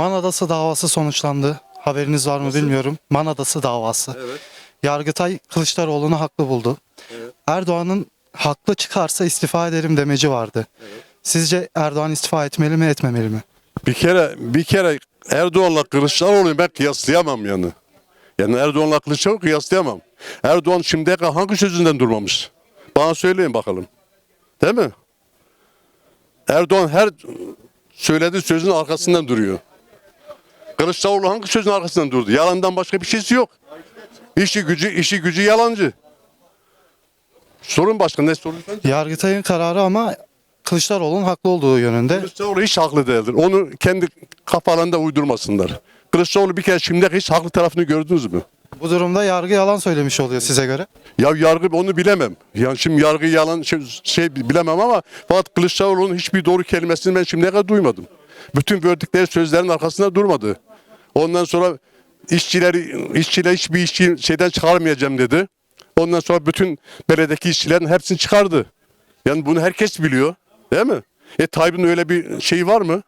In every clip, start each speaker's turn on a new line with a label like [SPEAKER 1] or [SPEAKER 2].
[SPEAKER 1] Man Adası davası sonuçlandı. Haberiniz var mı bilmiyorum. Man Adası davası.
[SPEAKER 2] Evet.
[SPEAKER 1] Yargıtay Kılıçdaroğlu'nu haklı buldu.
[SPEAKER 2] Evet.
[SPEAKER 1] Erdoğan'ın haklı çıkarsa istifa ederim demeci vardı. Sizce Erdoğan istifa etmeli mi etmemeli mi?
[SPEAKER 2] Bir kere Erdoğan'la Kılıçdaroğlu'nu ben kıyaslayamam yani. Yani Erdoğan'la Kılıçdaroğlu kıyaslayamam. Erdoğan şimdiye kadar hangi sözünden durmamış? Bana söyleyin bakalım. Değil mi? Erdoğan her söylediği sözün arkasından duruyor. Kılıçdaroğlu hangi sözün arkasından durdu? Yalandan başka bir şeysi yok. İşi gücü yalancı. Sorun başka ne sorun?
[SPEAKER 1] Yargıtay'ın kararı ama Kılıçdaroğlu'nun haklı olduğu yönünde.
[SPEAKER 2] Kılıçdaroğlu hiç haklı değildir. Onu kendi kafalarında uydurmasınlar. Kılıçdaroğlu bir kere şimdiye kadar hiç haklı tarafını gördünüz mü?
[SPEAKER 1] Bu durumda yargı yalan söylemiş oluyor size göre.
[SPEAKER 2] Ya yargı onu bilemem. Yani şimdi yargı yalan bilemem ama fakat Kılıçdaroğlu'nun hiçbir doğru kelimesini ben şimdiye kadar duymadım. Bütün verdikleri sözlerin arkasında durmadı. Ondan sonra işçiler hiçbir işçi şeyden çıkarmayacağım dedi. Ondan sonra bütün belediyedeki işçilerin hepsini çıkardı. Yani bunu herkes biliyor. Değil mi? Tayyip'in öyle bir şeyi var mı?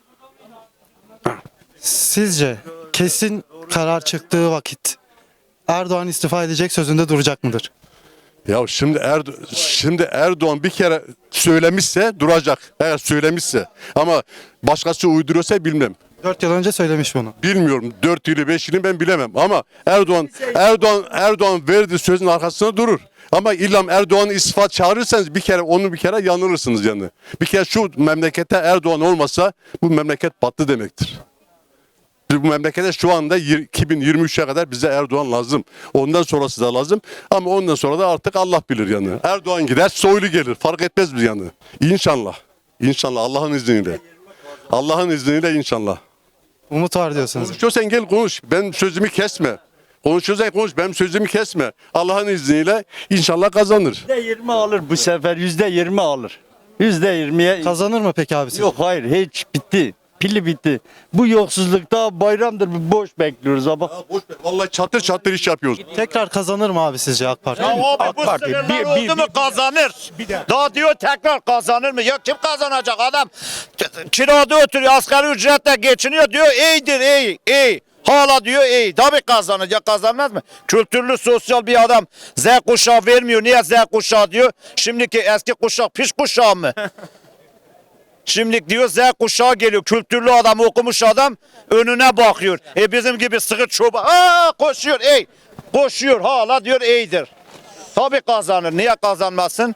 [SPEAKER 1] Sizce kesin karar çıktığı vakit Erdoğan istifa edecek sözünde duracak mıdır?
[SPEAKER 2] Ya şimdi Erdoğan bir kere söylemişse duracak. Eğer söylemişse. Ama başkası uyduruyorsa bilmem.
[SPEAKER 1] 4 yıl önce söylemiş bunu.
[SPEAKER 2] Bilmiyorum. 4 yılı 5 yılı ben bilemem. Ama Erdoğan verdiği sözün arkasında durur. Ama illa Erdoğan'ı istifa çağırırsanız bir kere yanılırsınız yani. Bir kere şu memlekette Erdoğan olmasa bu memleket battı demektir. Bu memlekete şu anda 2023'e kadar bize Erdoğan lazım. Ondan sonrası da lazım. Ama ondan sonra da artık Allah bilir yani. Erdoğan gider, Soylu gelir. Fark etmez bir yani. İnşallah. İnşallah Allah'ın izniyle. Allah'ın izniyle inşallah.
[SPEAKER 1] Umut var diyorsunuz.
[SPEAKER 2] Konuşuyorsan gel konuş. Ben sözümü kesme. Konuşuyorsan konuş. Benim sözümü kesme. Allah'ın izniyle inşallah kazanır.
[SPEAKER 3] %20 alır bu sefer. %20 alır. %20'ye
[SPEAKER 1] Kazanır mı peki abi siz?
[SPEAKER 3] yok, hayır, hiç bitti. Pili bitti. Bu yoksullukta bayramdır, boş bekliyoruz ama.
[SPEAKER 2] Vallahi çatır çatır iş yapıyoruz.
[SPEAKER 1] Tekrar kazanır mı abi sizce AK Parti?
[SPEAKER 4] Abi bu
[SPEAKER 3] Parti
[SPEAKER 4] sınırlar oldu mu kazanır. Daha diyor tekrar kazanır mı? Ya kim kazanacak adam? Kirada oturuyor, asgari ücretle geçiniyor diyor. İyidir, iyi. Hala diyor iyi. Tabii kazanır. Ya kazanmaz mı? Kültürlü, sosyal bir adam Z kuşağı vermiyor. Niye Z kuşağı diyor? Şimdiki eski kuşak piş kuşağı mı? Şimdi diyor Z kuşağı geliyor. Kültürlü adam, okumuş adam önüne bakıyor. Bizim gibi sıkı çoban. Koşuyor, ey. Koşuyor hala diyor iyidir. Tabii kazanır. Niye kazanmasın?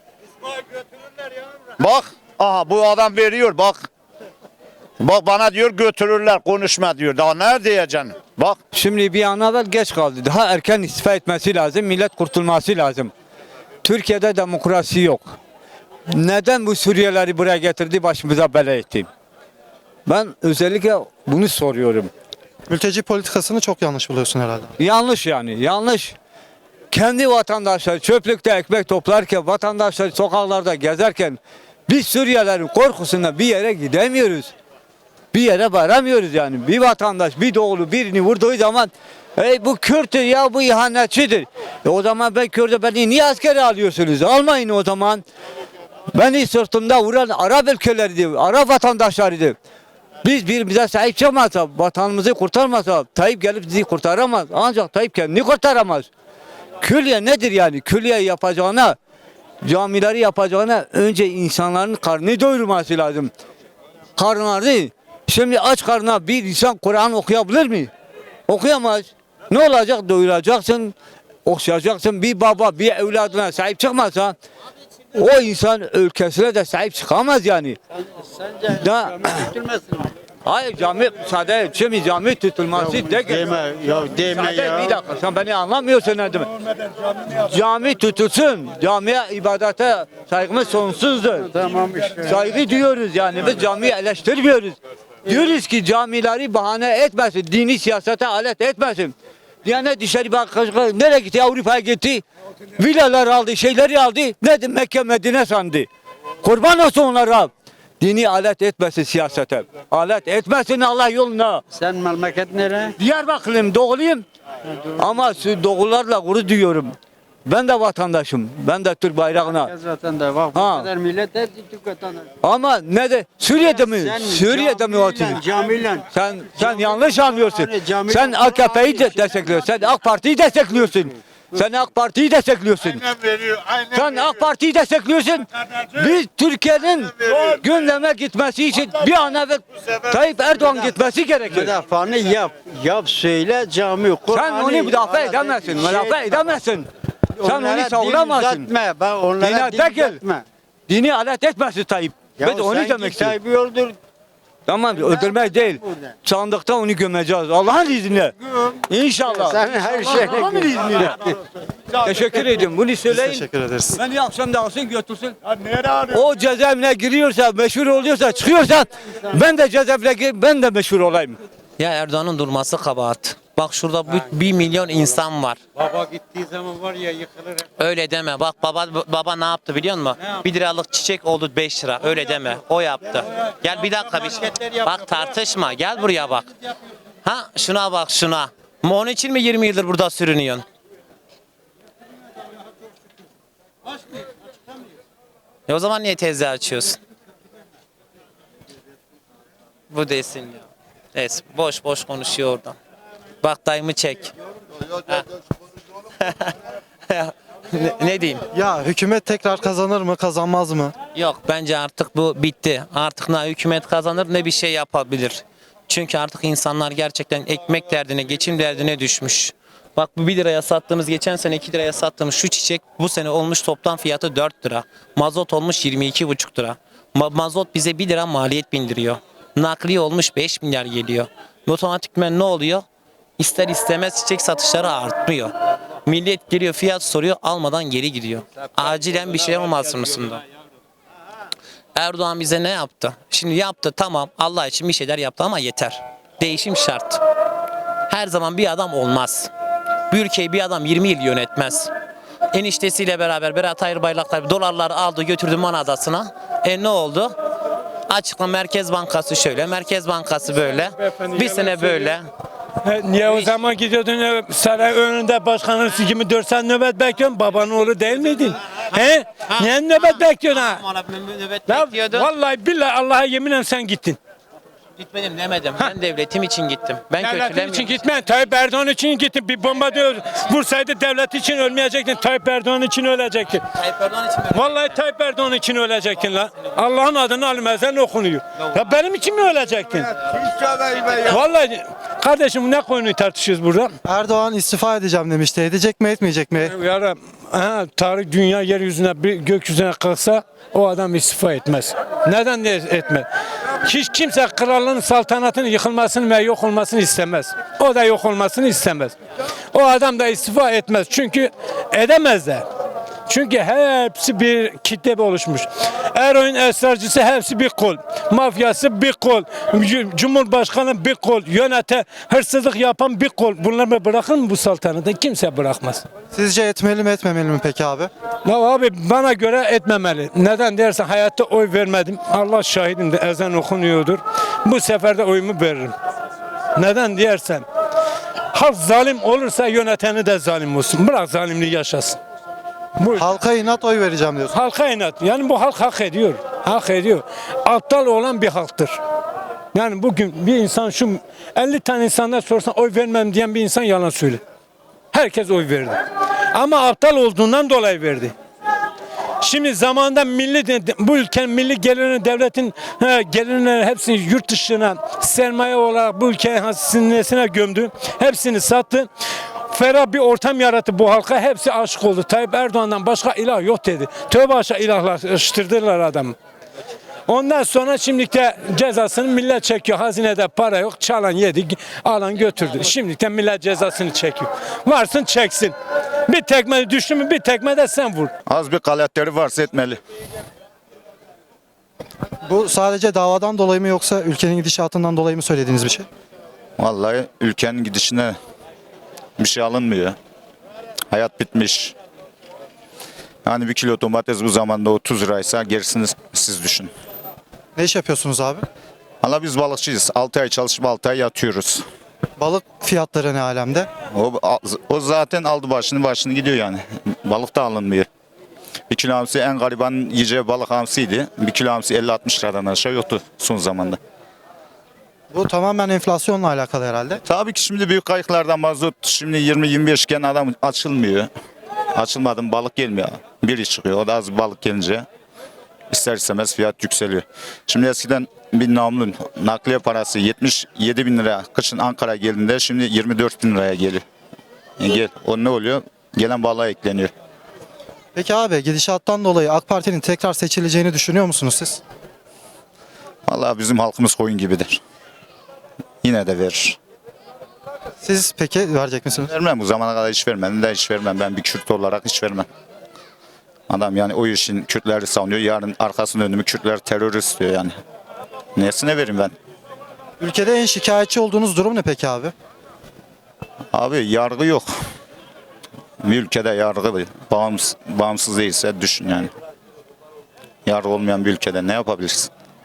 [SPEAKER 4] Bak. Aha bu adam veriyor bak. Bak bana diyor götürürler konuşma diyor. Daha ne diyeceksin? Bak.
[SPEAKER 5] Şimdi bir an evvel geç kaldı. Daha erken istifa etmesi lazım. Millet kurtulması lazım. Türkiye'de demokrasi yok. Neden bu Suriyelileri buraya getirdi, başımıza bela etti? Ben özellikle bunu soruyorum.
[SPEAKER 1] Mülteci politikasını çok yanlış buluyorsun herhalde.
[SPEAKER 5] Yanlış yani, yanlış. Kendi vatandaşları çöplükte ekmek toplarken, vatandaşlar sokaklarda gezerken biz Suriyelilerin korkusundan bir yere gidemiyoruz. Bir yere varamıyoruz yani. Bir vatandaş bir doğulu birini vurduğu zaman bu Kürt'tür ya, bu ihanetçidir. O zaman ben Kürt'ü, beni niye askere alıyorsunuz? Almayın o zaman. Beni sırtımda vuran Arap ülkeleriydi, Arap vatandaşlarıydı. Biz birbirimize sahip çıkmazsa, vatanımızı kurtarmazsa Tayyip gelip bizi kurtaramaz. Ancak Tayyip kendini kurtaramaz. Külliye nedir yani? Külliye yapacağına, camileri yapacağına önce insanların karnını doyurması lazım. Karnları, şimdi aç karnına bir insan Kur'an okuyabilir mi? Okuyamaz. Ne olacak? Doyuracaksın, okşayacaksın. Bir baba bir evladına sahip çıkmazsa o insan ülkesine de sahip çıkamaz yani.
[SPEAKER 3] Sence
[SPEAKER 5] Da, hayır cami müsaade, şimdi cami tutulması de
[SPEAKER 3] deme ya.
[SPEAKER 5] Bir dakika, sen beni anlamıyorsun ne demek? Cami tutulsun, camiye ibadete saygımız sonsuzdur.
[SPEAKER 3] Tamam işte.
[SPEAKER 5] Saygı duyuyoruz yani, biz camiyi eleştirmiyoruz. Diyoruz ki camileri bahane etmesin, dini siyasete alet etmesin. Yani dışarı bak, nereye gitti? Avrupa'ya gitti. Villalar aldı, şeyleri aldı. Ne Mekke Medine sandı. Kurban olsun onlara. Dini alet etmesin siyasete. Alet etmesin Allah yoluna.
[SPEAKER 3] Sen memleket nere?
[SPEAKER 5] Diyarbakırlıyım, doğuluyum. Ama doğularla gurur duyuyorum. Ben de vatandaşım. Ben de Türk bayrağına.
[SPEAKER 3] Zaten de bak bu
[SPEAKER 5] Ha.
[SPEAKER 3] kadar millet hep Türk vatandaşı.
[SPEAKER 5] Ama ne de Suriye'de mi? Suriye'de mi atıyor?
[SPEAKER 3] Camiyle.
[SPEAKER 5] Sen yanlış anlıyorsun.
[SPEAKER 3] Cami-
[SPEAKER 5] Sen AKP'yi de destekliyorsun. Sen AK Parti'yi destekliyorsun. Sen AK Parti'yi destekliyorsun. Sen AK Parti'yi destekliyorsun. Biz Türkiye'nin gündeme gitmesi için bir an evvel Tayyip Erdoğan gitmesi gerekiyor.
[SPEAKER 3] Müdafaanı yap. Yap söyle cami kur.
[SPEAKER 5] Sen onu müdafaa edemezsin. Müdafaa edemezsin. Sen onu savunamazsın.
[SPEAKER 3] Ben onlara
[SPEAKER 5] Dine
[SPEAKER 3] din
[SPEAKER 5] tekil.
[SPEAKER 3] uzatma.
[SPEAKER 5] Dini alet etmesin Tayyip.
[SPEAKER 3] Ya
[SPEAKER 5] Ben de onu
[SPEAKER 3] sen
[SPEAKER 5] demek
[SPEAKER 3] git
[SPEAKER 5] istiyorum.
[SPEAKER 3] Tayyip'i öldür.
[SPEAKER 5] Tamam öldürmek değil. Sandıkta onu gömeceğiz. Allah'ın izniyle. İnşallah.
[SPEAKER 3] Sen her şeyine
[SPEAKER 5] Allah'ın izniyle. Teşekkür ediyorum. Bunu söyleyin.
[SPEAKER 1] Teşekkür ederiz.
[SPEAKER 5] Beni akşam da alsın götürsün. O cezaevine giriyorsa, meşhur oluyorsa, çıkıyorsa ben de cezaevine girip ben de meşhur olayım.
[SPEAKER 6] Ya Erdoğan'ın durması kabahat. Bak şurada 1 milyon insan var.
[SPEAKER 3] Baba gittiği zaman var ya yıkılır.
[SPEAKER 6] Öyle deme. Bak baba ne yaptı biliyor musun? 1 liralık çiçek oldu 5 lira. Öyle deme. O yaptı. Gel bir dakika bir şey. Bak tartışma. Gel buraya bak. Ha şuna bak şuna. Onun için mi 20 yıldır burada sürünüyorsun? O zaman niye teyze açıyorsun? Bu desin ya. Neyse boş boş konuşuyor oradan. Bak dayımı çek. Ha. ne diyeyim?
[SPEAKER 1] Ya hükümet tekrar kazanır mı, kazanmaz mı?
[SPEAKER 6] Yok bence artık bu bitti. Artık ne hükümet kazanır ne bir şey yapabilir. Çünkü artık insanlar gerçekten ekmek derdine, geçim derdine düşmüş. Bak bu 1 liraya sattığımız, geçen sene 2 liraya sattığımız şu çiçek bu sene olmuş toplam fiyatı 4 lira. Mazot olmuş 22,5 lira. Mazot bize 1 lira maliyet bindiriyor. Nakliye olmuş 5 milyar geliyor. Otomatikmen ne oluyor? İster istemez çiçek satışları artmıyor. Millet geliyor fiyat soruyor almadan geri gidiyor. Acilen bir şey olmasın mısında? Erdoğan bize ne yaptı? Şimdi yaptı tamam Allah için bir şeyler yaptı ama yeter. Değişim şart. Her zaman bir adam olmaz. Bir ülkeyi bir adam 20 yıl yönetmez. Eniştesiyle beraber Berat Albayraktar dolarları aldı götürdü Man Adası'na. Ne oldu? Açıkla Merkez Bankası şöyle, Merkez Bankası böyle. Bir sene böyle.
[SPEAKER 7] Niye o zaman gidiyordun saray önünde başkanın 24 saat nöbet bekliyorsun? Babanın oğlu değil miydin? He? Niye nöbet bekliyorsun ha?
[SPEAKER 6] Nöbet
[SPEAKER 7] Ya,
[SPEAKER 6] bekliyordun.
[SPEAKER 7] vallahi billahi Allah'a yeminle sen gittin.
[SPEAKER 6] Gitmedim demedim. Ben devletim için gittim. Ben
[SPEAKER 7] Devletin
[SPEAKER 6] kötülemiyorum.
[SPEAKER 7] için gitmen. Tayyip Erdoğan için gittin. Bir bomba diyor. Vursaydı devlet için ölmeyecektin. Tayyip Erdoğan için ölecektin.
[SPEAKER 6] Tayyip Erdoğan için mi?
[SPEAKER 7] Vallahi Tayyip Erdoğan için ölecektin lan. Allah'ın adını alim ezan okunuyor. Ya benim için mi ölecektin? Vallahi kardeşim ne konuyu tartışıyoruz burada?
[SPEAKER 1] Erdoğan istifa edeceğim demişti. Edecek mi, etmeyecek mi?
[SPEAKER 7] Yarın tarih dünya yeryüzüne bir gökyüzüne kalksa o adam istifa etmez. Neden de etmez? Hiç kimse krallığın saltanatının yıkılmasını ve yok olmasını istemez. O da yok olmasını istemez. O adam da istifa etmez. Çünkü edemez de. Çünkü hepsi bir kitle oluşmuş. Eroin esrarcısı hepsi bir kol. Mafyası bir kol. Cumhurbaşkanı bir kol. Hırsızlık yapan bir kol. Bunları bırakır mı bu saltanatı? Kimse bırakmaz.
[SPEAKER 1] Sizce etmeli mi, etmemeli mi peki abi?
[SPEAKER 7] Ya abi bana göre etmemeli. Neden dersen hayatta oy vermedim. Allah şahidim de ezan okunuyordur. Bu sefer de oyumu veririm. Neden dersen halk zalim olursa yöneteni de zalim olsun. Bırak zalimliği yaşasın. Bu
[SPEAKER 1] Halka inat oy vereceğim diyorsun.
[SPEAKER 7] halka inat. Yani bu halk hak ediyor. Hak ediyor. Aptal olan bir halktır. Yani bugün bir insan 50 tane insandan sorsan oy vermem diyen bir insan yalan söyler. Herkes oy verdi. Ama aptal olduğundan dolayı verdi. Şimdi zamanında bu ülkenin milli gelirini devletin gelirleri hepsini yurt dışına sermaye olarak bu ülkenin hazinesine gömdü. Hepsini sattı. Ferah bir ortam yarattı bu halka. Hepsi aşık oldu. Tayyip Erdoğan'dan başka ilah yok dedi. Tövbe aşağı ilahlaştırdılar adamı. Ondan sonra şimdi de cezasını millet çekiyor. Hazinede para yok. Çalan yedi, alan götürdü. Şimdi de millet cezasını çekiyor. Varsın çeksin. Bir tekme düştü mü bir tekme de sen vur.
[SPEAKER 4] Az bir karakteri varsa etmeli.
[SPEAKER 1] Bu sadece davadan dolayı mı yoksa ülkenin gidişatından dolayı mı söylediğiniz bir şey?
[SPEAKER 4] Vallahi ülkenin gidişine bir şey alınmıyor. Hayat bitmiş. Yani 1 kilo domates bu zamanda 30 liraysa gerisini siz düşün.
[SPEAKER 1] Ne iş yapıyorsunuz abi?
[SPEAKER 4] Valla biz balıkçıyız. 6 ay çalışıp 6 ay yatıyoruz.
[SPEAKER 1] Balık fiyatları ne alemde?
[SPEAKER 4] O zaten aldı başını gidiyor yani.
[SPEAKER 8] Balık da alınmıyor. 1 kilo hamsi en gariban yiyeceği balık hamsiydi. 1 kilo hamsi 50-60 liradan aşağı yoktu son zamanda.
[SPEAKER 1] Bu tamamen enflasyonla alakalı herhalde.
[SPEAKER 8] Tabii ki şimdi büyük kayıklardan mazot şimdi 20-25 iken adam açılmıyor. Açılmadı balık gelmiyor. Biri çıkıyor. O da az bir balık gelince ister istemez fiyat yükseliyor. Şimdi eskiden bir namlun nakliye parası 77 bin lira kışın Ankara geldiğinde şimdi 24 bin liraya geliyor. O ne oluyor? Gelen balığa ekleniyor.
[SPEAKER 1] Peki abi gidişattan dolayı AK Parti'nin tekrar seçileceğini düşünüyor musunuz siz?
[SPEAKER 8] Vallahi bizim halkımız koyun gibidir. Yine de verir.
[SPEAKER 1] Siz peki verecek misiniz?
[SPEAKER 8] Vermem bu zamana kadar hiç vermedim de hiç vermem. Ben bir Kürt olarak hiç vermem. Adam yani o işin Kürtleri savunuyor. Yarın arkasını döndüğümü Kürtler terörist diyor yani. Nesine vereyim ben?
[SPEAKER 1] Ülkede en şikayetçi olduğunuz durum ne peki abi?
[SPEAKER 8] Abi yargı yok. Bir ülkede yargı bağımsız değilse düşün yani. Yargı olmayan bir ülkede ne yapabilirsin?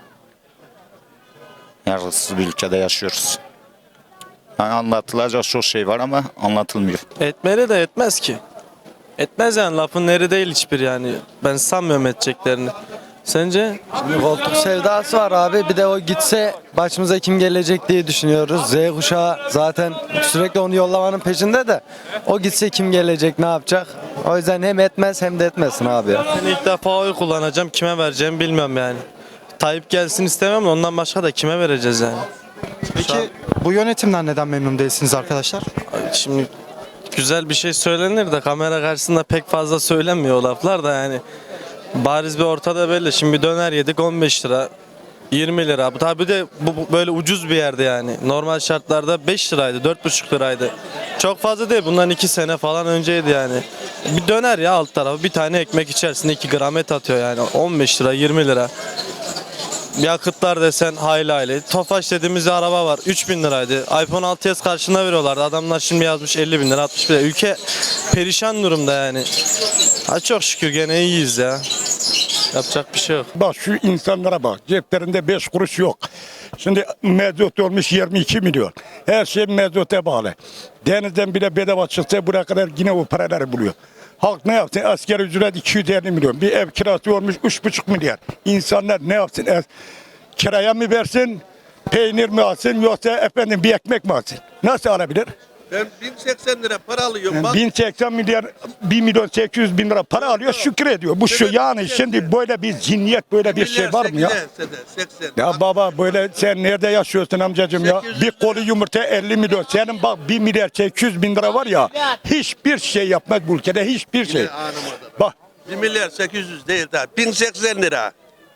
[SPEAKER 8] Yargısız bir ülkede yaşıyoruz. Yani anlatılacak çok şey var ama anlatılmıyor.
[SPEAKER 9] Etmeli de etmez ki. Etmez yani lafın neri değil hiçbir yani. Ben sanmıyorum edeceklerini. Sence?
[SPEAKER 10] Koltuk sevdası var abi. Bir de o gitse başımıza kim gelecek diye düşünüyoruz. Z kuşağı zaten sürekli onu yollamanın peşinde de. O gitse kim gelecek, ne yapacak? O yüzden hem etmez hem de etmesin abi ya.
[SPEAKER 9] Ben ilk defa oy kullanacağım. Kime vereceğimi bilmiyorum yani. Tayyip gelsin istemem de ondan başka da kime vereceğiz yani?
[SPEAKER 1] Peki bu yönetimden neden memnun değilsiniz arkadaşlar?
[SPEAKER 9] Şimdi güzel bir şey söylenir de kamera karşısında pek fazla söylenmiyor o laflar da yani. Bariz bir ortada belli. Şimdi bir döner yedik 15 lira. 20 lira. Bu tabi de bu böyle ucuz bir yerde yani. Normal şartlarda 5 liraydı, 4,5 liraydı. Çok fazla değil. Bundan 2 sene falan önceydi yani. Bir döner ya alt tarafı. Bir tane ekmek içerisinde 2 gram et atıyor yani. 15 lira, 20 lira. Yakıtlar desen hayli hayli. Tofaş dediğimiz bir araba var. 3.000 liraydı. iPhone 6s karşında veriyorlardı. Adamlar şimdi yazmış 50 bin lira, 60 bin lira. Ülke perişan durumda yani. Ha çok şükür gene iyiyiz ya. Yapacak bir şey yok.
[SPEAKER 11] Bak şu insanlara bak. Ceplerinde 5 kuruş yok. Şimdi mezot olmuş 22 milyon. Her şey mezota bağlı. Denizden bile bedava çıksa buraya kadar yine o paraları buluyor. Halk ne yapsın? Asgari ücret 250 milyon. Bir ev kirası olmuş 3,5 milyar. İnsanlar ne yapsın? Kiraya mı versin? Peynir mi alsın? Yoksa efendim bir ekmek mi alsın? Nasıl alabilir?
[SPEAKER 12] Ben 1080 lira para alıyorum.
[SPEAKER 11] Yani 1080 milyar, 1 milyon 800 bin lira para alıyor, şükür ediyor. Bu şu yani şimdi böyle bir zihniyet, böyle bir şey var mı ya?
[SPEAKER 12] 80.
[SPEAKER 11] Ya baba böyle sen nerede yaşıyorsun amcacığım ya? Bir kolu yumurta 50 milyon. Senin bak 1 milyar 800 bin lira var ya. Hiçbir şey yapmaz bu ülkede, hiçbir şey. Bak.
[SPEAKER 12] 1 milyar 800 değil daha. 1080 lira.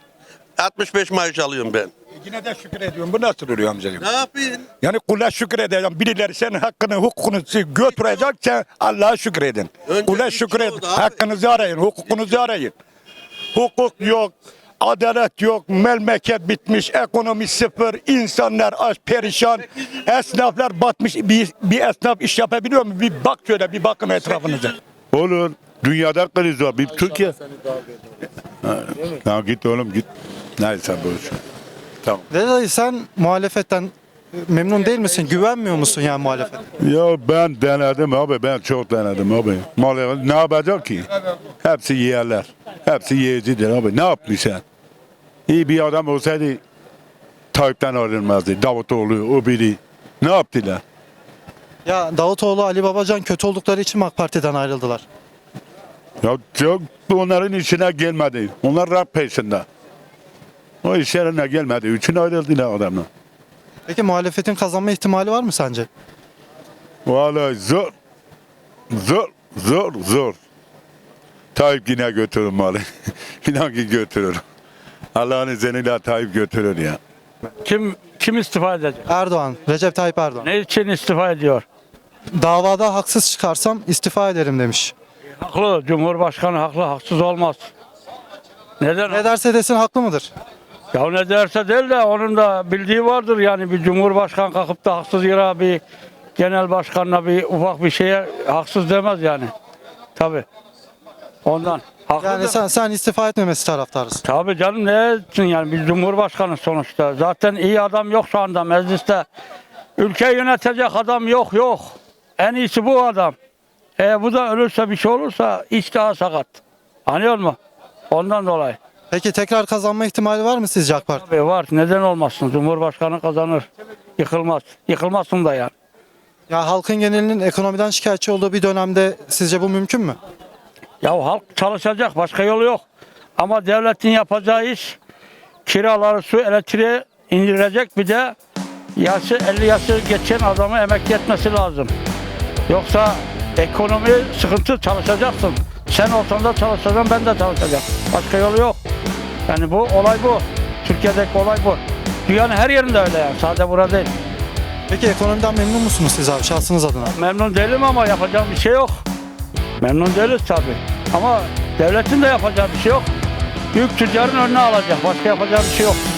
[SPEAKER 12] 65 maaş alıyorum ben.
[SPEAKER 11] Yine de şükür ediyorum. Bu nasıl oluyor amcacığım?
[SPEAKER 12] Ne yapayım?
[SPEAKER 11] Yani kula şükür edeceğim. Birileri senin hakkını, hukukunu götürecek. Sen Allah'a şükür edin.
[SPEAKER 12] Önce
[SPEAKER 11] Kula
[SPEAKER 12] bir
[SPEAKER 11] şükür
[SPEAKER 12] şey
[SPEAKER 11] edin.
[SPEAKER 12] oldu abi.
[SPEAKER 11] Hakkınızı arayın, hukukunuzu arayın. Hukuk yok, adalet yok, memleket bitmiş, ekonomi sıfır, insanlar aç, perişan, esnaflar batmış. Bir esnaf iş yapabiliyor mu? Bir bak şöyle, bir bakın etrafınıza.
[SPEAKER 2] Olur. Dünyada kriz var. Bir Türkiye. Ha, git oğlum git. Neyse boş. Tamam.
[SPEAKER 1] Dayı sen muhalefetten memnun değil misin? Güvenmiyor musun yani muhalefet?
[SPEAKER 2] Ya ben denedim abi. Ben çok denedim abi. Maalesef ne yapacak ki? Hepsi yerler. Hepsi yiyicidir abi. Ne yapmış sen? İyi bir adam olsaydı Tayyip'ten ayrılmazdı. Davutoğlu, o biri. Ne yaptılar?
[SPEAKER 1] Ya Davutoğlu, Ali Babacan kötü oldukları için mi AK Parti'den ayrıldılar?
[SPEAKER 2] Ya çok onların işine gelmedi. Onlar rap peşinde. O işlerine gelmedi. Üçün ayrıldılar adamlar.
[SPEAKER 1] Peki muhalefetin kazanma ihtimali var mı sence?
[SPEAKER 2] Vallahi zor. Zor. Tayyip yine götürür malı. İnan ki götürür. Allah'ın izniyle Tayyip götürür ya.
[SPEAKER 7] Kim istifa edecek?
[SPEAKER 1] Erdoğan, Recep Tayyip Erdoğan.
[SPEAKER 7] Ne için istifa ediyor?
[SPEAKER 1] Davada haksız çıkarsam istifa ederim demiş.
[SPEAKER 7] Haklı. Cumhurbaşkanı haklı. Haksız olmaz. Neden?
[SPEAKER 1] Ne derse desin haklı mıdır?
[SPEAKER 7] Ya ne derse değil de onun da bildiği vardır yani bir cumhurbaşkanı kalkıp da haksız yere bir genel başkanla bir ufak bir şeye haksız demez yani. Tabii. Ondan. Haklı
[SPEAKER 1] Yani sen istifa etmemesi taraftarısın.
[SPEAKER 7] Tabii canım ne etsin yani bir cumhurbaşkanı sonuçta. Zaten iyi adam yok şu anda mecliste. Ülkeyi yönetecek adam yok. En iyisi bu adam. Bu da ölürse bir şey olursa iç daha sakat. Anlıyor musun? Ondan dolayı.
[SPEAKER 1] Peki tekrar kazanma ihtimali var mı sizce AK Parti?
[SPEAKER 7] Tabii var. Neden olmasın? Cumhurbaşkanı kazanır. Yıkılmaz. Yıkılmasın da yani.
[SPEAKER 1] Ya halkın genelinin ekonomiden şikayetçi olduğu bir dönemde sizce bu mümkün mü?
[SPEAKER 7] Ya halk çalışacak. Başka yolu yok. Ama devletin yapacağı iş kiraları, su, elektriği indirecek. Bir de 50 yaşı geçen adamı emekli etmesi lazım. Yoksa ekonomi sıkıntı, çalışacaksın. Sen olsan da çalışacaksın, ben de çalışacağım. Başka yolu yok. Yani bu olay bu. Türkiye'deki olay bu. Dünyanın her yerinde öyle yani. Sadece burada değil.
[SPEAKER 1] Peki ekonomiden memnun musunuz siz abi şahsınız adına?
[SPEAKER 7] Memnun değilim ama yapacağım bir şey yok. Memnun değiliz tabii. Ama devletin de yapacağı bir şey yok. Büyük tüccarın önüne alacak. Başka yapacağı bir şey yok.